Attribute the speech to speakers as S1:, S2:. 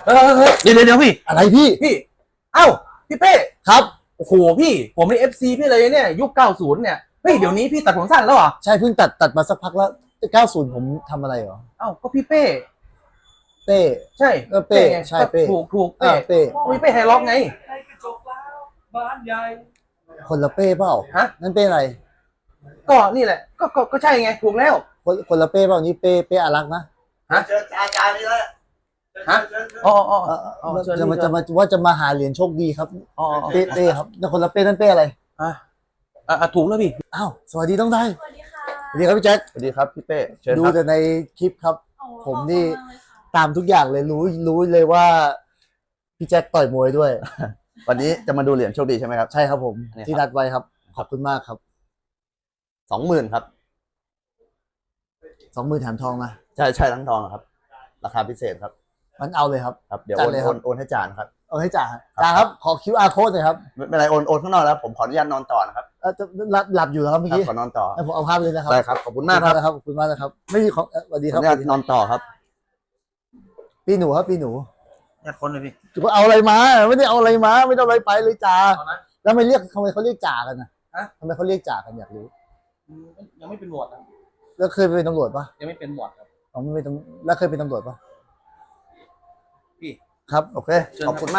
S1: เดี๋ยวพี่
S2: อะไรพี่
S1: พี่เอ้าพี่เป้
S2: ครับ
S1: โอ้โหพี่ผมในFCพี่เลยเนี่ยยุค90เนี่ยเฮ้ยเดี๋ยวนี้พี่ตัดผมสั้นแล้วเหรอ
S2: ใช่เพิ่งตัดมาสักพักแล้ว90ผมทำอะไรเหรอ
S1: เอ้าก็พี่เป้
S2: เป้
S1: ใช่
S2: ก็เป้
S1: ไง
S2: ใช่เป้
S1: ถูกเป้
S2: เป้
S1: พี่เป้ไฮร็อกไง
S3: บ้านใหญ่
S2: คนละเป้เปล่า
S1: ฮะ
S2: นั่นเป้อะไร
S1: ก็นี่แหละก็ใช่ไงถูกแล้ว
S2: คนละเป้เปล่านี่เป้อารักษ์นะ
S3: เจออาจารย์นี่แล้ว
S1: ฮะอ๋อ
S2: จะมาหาเหรียญโชคดีครับ
S1: อ๋อ
S2: เป้ครับนั่นคนละเป้นั่นเป้อะไร
S1: ถูกแล้วพี่
S2: อ้าวสวัสดีต้องได้
S4: สวัสดีค่ะ
S2: สวัสดีครับพี่แจ็ค
S1: สวัสดีครับพี่เป้เชิญ
S2: ดู
S1: ครับ
S2: แต่ในคลิปครับ
S4: โอ้
S2: ผมนี่
S4: ขอบคุณมากเลยค่ะ
S2: ตามทุกอย่างเลยรู้เลยว่าพี่แจ็คต่อยมวยด้วย
S5: วันนี้จะมาดูเหรียญโชคดีใช่ไหมครับ
S2: ใช่ครับผม
S5: เนี่ยครับ
S2: ที่นัดไว้ครับขอบคุณมากครับ
S5: 20,000ครับ
S2: 20,000แถมทองนะ
S5: ใช่ทั้งทองครับ ราคาพิเศษครับ
S2: มันเอาเลยครับ
S5: ครับเดี๋ยว
S2: จัดเลยครับ
S5: โอนให้จานครับ
S2: เอาให้จ่าครับขอ QR code หน่อยครับ
S5: ไม่เป็นไรโอนข้างนอกแล้วผมขออนุญาตนอนต่อนะครับ
S2: จะหลับอยู่แล้วครับเมื่อ
S5: ครับ
S2: กี้
S5: ขอนอนต่อ
S2: ให้ผมเอาภาพเลยนะครับ
S5: ได้ครับขอบคุณมากครับ
S2: ขอบคุณมากนะครับไม่มีของสวัสดี
S5: ข
S2: ค
S5: อ
S2: รั
S5: อบ นุญาตนอนต่อครับ
S2: พี่หนูครับพี่หนู
S1: อยากคนเลยพี่
S2: จะเอาอะไรมาไม่ได้เอาอะไรมาไม่ได้เอาอะไรไปเลยจ่า
S1: เอานะ
S2: แล้วทำไมเขาเรียกจ่ากันนะ
S1: ฮะ
S2: ทำไมเขาเรียกจ่ากันอยากรู้
S1: ยังไม่เป็นหมวดนะ
S2: แล้วเคยเป็นตำรวจปะ
S1: ยังไม่เป็นหมวดครับ
S2: อ๋อไม่เป็นแล้วเคยเป็นตำรวจปะ
S1: พี่
S2: ครับ
S5: โอเคขอบคุณมาก